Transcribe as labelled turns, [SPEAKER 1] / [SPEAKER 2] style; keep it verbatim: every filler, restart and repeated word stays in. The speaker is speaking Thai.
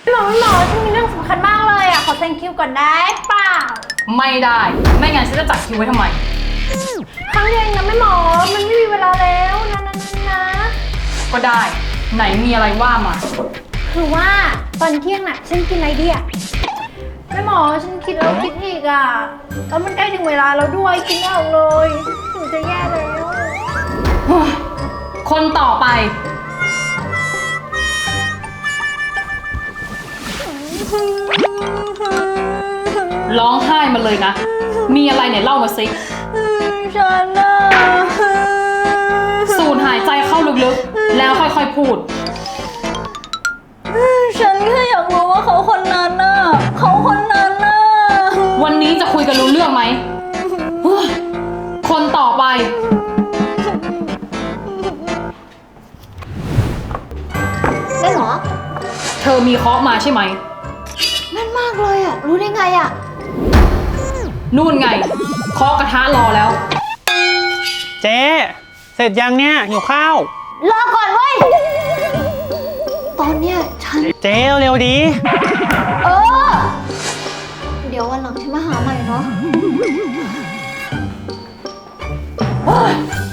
[SPEAKER 1] หมอหมอฉันมีเรื่องสำคัญมากเลยอ่ะขอเซ็นคิวก่อนได้เปล่า
[SPEAKER 2] ไม่ได้ไม่งั้นฉันจะจัดคิวไว้ทำไม
[SPEAKER 1] ครั้งเดียวนะไม่หมอมันไม่มีเวลาแล้วนะนะนะนะ
[SPEAKER 2] ก็ได้ไหนมีอะไรว่ามา
[SPEAKER 1] คือว่าตอนเที่ยงน่ะฉันกินอะไรดีอ่ะแม่หมอฉันคิดแล้วคิดอีกอ่ะแล้วมันใกล้ถึงเวลาแล้วด้วยกินไม่ออกเลยหนูจะแย่แล้ว
[SPEAKER 2] คนต่อไปร้องไห้มาเลยนะมีอะไรเนี่ยเล่ามาสิ
[SPEAKER 1] ฉันน่ะ
[SPEAKER 2] สูดหายใจเข้าลึกๆแล้วค่อยๆพูด
[SPEAKER 1] ฉันแค่อยากรู้ว่าเขาคนนั้นน่ะเขาคนนั้นน่ะ
[SPEAKER 2] วันนี้จะคุยกันรู้เรื่องไหมคนต่อไป
[SPEAKER 1] ได้หรอ
[SPEAKER 2] เธอมีเคาะมาใช่ไหม
[SPEAKER 1] แม่นมากเลยอ่ะรู้ได้ไงอ่ะ
[SPEAKER 2] นู่นไงเคาะกระทะรอแล้ว
[SPEAKER 3] เจ๊เสร็จยังเนี่ยหิวข้าว
[SPEAKER 1] รอก่อนเว้ยตอนเนี้ยฉัน
[SPEAKER 3] เจ๊เร็วๆดี
[SPEAKER 1] เออเดี๋ยววันหลังฉันมาหาใหม่เนาะ